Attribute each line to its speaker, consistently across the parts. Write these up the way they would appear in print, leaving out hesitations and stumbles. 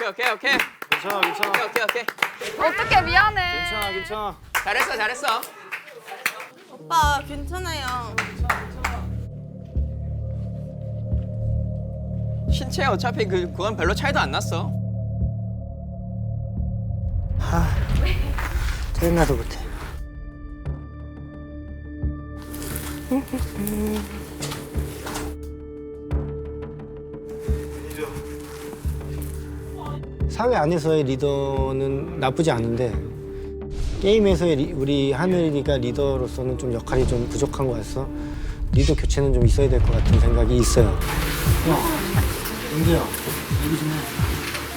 Speaker 1: 오케이, 오케이.
Speaker 2: 괜찮아, 괜찮아.
Speaker 1: 오케이, 오케이.
Speaker 3: 어떡해, 미안해.
Speaker 2: 괜찮아, 괜찮아.
Speaker 1: 잘했어, 잘했어.
Speaker 4: 오빠 괜찮아요.
Speaker 1: 신체 어차피 그건 별로 차이도 안 났어.
Speaker 5: 짜증나서 못해. 사회 안에서의 리더는 나쁘지 않은데 게임에서의 우리 하늘이가 리더로서는 좀 역할이 좀 부족한 것 같아서 리더 교체는 좀 있어야 될 것 같은 생각이 있어요. 영재야, 얘기 좀 해.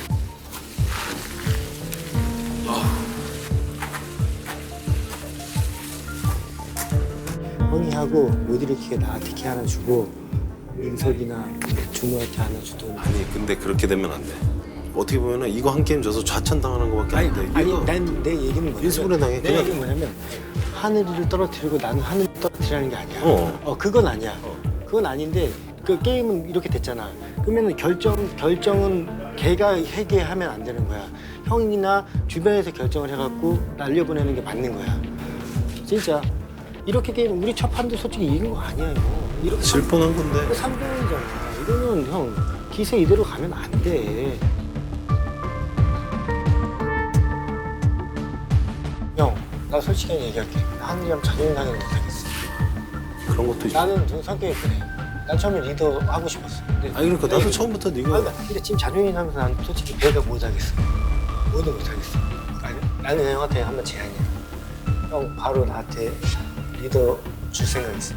Speaker 5: 형이하고 못 일으키게 나한테 키 하나 주고 민석이나 준호한테 하나 주든.
Speaker 6: 아니 근데 그렇게 되면 안 돼. 어떻게 보면은 이거 한 게임 져서 좌천당하는 거밖에 안 돼.
Speaker 5: 아니 난 내 얘기는 뭐냐면
Speaker 6: 일습으로 당해.
Speaker 5: 내 얘기는 뭐냐면 하늘이를 떨어뜨리고 나는 하늘을 떨어뜨리라는 게 아니야.
Speaker 6: 어.
Speaker 5: 그건 아니야. 그건 아닌데 그 게임은 이렇게 됐잖아. 그러면 결정은 걔가 해게 하면 안 되는 거야. 형이나 주변에서 결정을 해갖고 날려보내는 게 맞는 거야. 진짜 이렇게 게임 우리 첫 판도 솔직히 이긴 거 아니야 이거. 이렇게
Speaker 6: 질 뻔한 건데.
Speaker 5: 3등이잖아. 이거는 형 기세 이대로 가면 안 돼. 형, 나 솔직히 얘기할게. 하늘이랑 자존심상해 못하겠어.
Speaker 6: 그런 것도 있어.
Speaker 5: 나는 좀 성격이 그래. 난 처음에 리더 하고 싶었어. 근데
Speaker 6: 아니 그러니까 나도 처음부터 네가
Speaker 5: 근데 지금 자존심 상해서 난 솔직히 배가 못하겠어. 뭐든 못하겠어. 아니, 나는 형한테 한번 제안이야. 형 바로 나한테 리더 줄 생각 있어.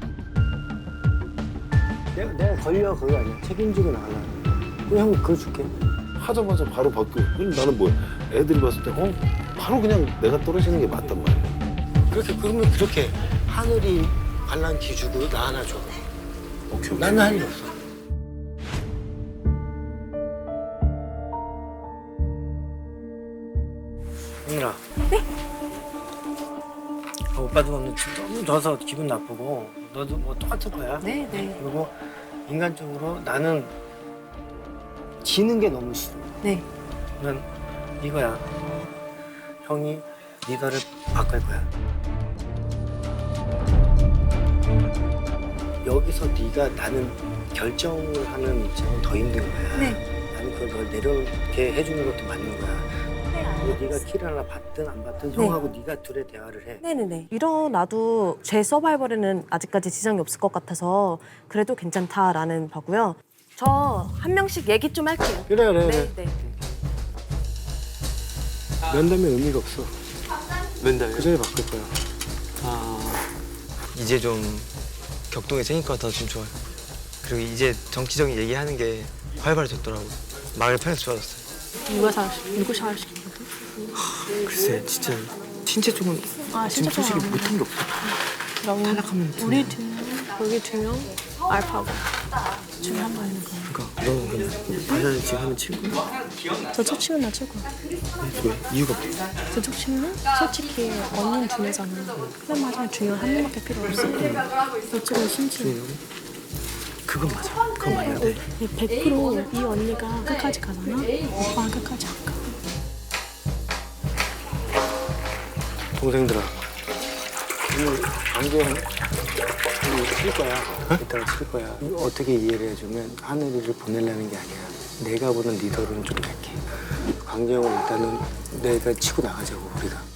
Speaker 5: 내가 걸려 그거 아니야. 책임지고 나가려는 거야. 그럼 형 그거 줄게.
Speaker 6: 하자마자 바로 바뀌고. 그럼 나는 뭐야? 애들이 봤을 때 바로 그냥 내가 떨어지는 게 맞단 말이야.
Speaker 5: 그러면 그렇게 하늘이 반란기 주고 나 하나 줘.
Speaker 6: 오케이.
Speaker 5: 나는 할 일 없어. 하늘아. 네? 오빠도 오늘 너무 져서 기분 나쁘고 너도 뭐 똑같을 거야.
Speaker 3: 네, 네.
Speaker 5: 그리고 인간적으로 나는 지는 게 너무 싫어.
Speaker 3: 네.
Speaker 5: 난 이거야. 형이 리더를 바꿀 거야. 여기서 네가 나는 결정을 하는 입장은 더 힘든 거야.
Speaker 3: 네.
Speaker 5: 나는 그걸 널 내려게 해주는 것도 맞는 거야. 근데 네가 키를 하나 받든 안 받든
Speaker 3: 네.
Speaker 5: 형하고 네가 둘의 대화를 해.
Speaker 3: 네네네. 일어나도 제 서바이벌에는 아직까지 지장이 없을 것 같아서 그래도 괜찮다라는 바고요. 저 한 명씩 얘기 좀 할게요.
Speaker 5: 그래.
Speaker 3: 네, 네.
Speaker 5: 면담에 의미가 없어.
Speaker 7: 맨날
Speaker 5: 그 전에 바꿀 거야.
Speaker 7: 이제 좀 격동이 생길 것 같아서 좀 좋아요. 그리고 이제 정치적인 얘기하는 게 활발해졌더라고요. 말을 편해서 좋아졌어요.
Speaker 8: 누구 샤워시키는 거?
Speaker 7: 글쎄 진짜 신체 쪽은 지금 솔직히 못한 게 없어.
Speaker 8: 그럼
Speaker 7: 탈락하면
Speaker 8: 우리 두 명, 여기 두 명, 알파고 중에 한 명 있는 거.
Speaker 7: 그러니까 너는 그냥 만약에 지금 하면 친구?
Speaker 8: 저쪽 치면 나 최고.
Speaker 7: 왜? 이유가 뭐야?
Speaker 8: 저쪽 치면 솔직히 언니는 중요하잖아. 그래 맞아 중요한 한 명밖에 필요 없어. 이쪽은 심지어
Speaker 7: 그건 맞아. 그건 말이 안 돼.
Speaker 8: 100% 이 언니가 끝까지 가잖아. 오빠가 끝까지 안 가.
Speaker 5: 동생들아, 오늘 안경 칠 거야. 이따가 칠 거야. 어떻게 이해를 해주면 하늘이를 보내려는 게 아니야. 내가 보는 리더로는 좀 약해. 광재형은 일단은 내가 치고 나가자고 우리가.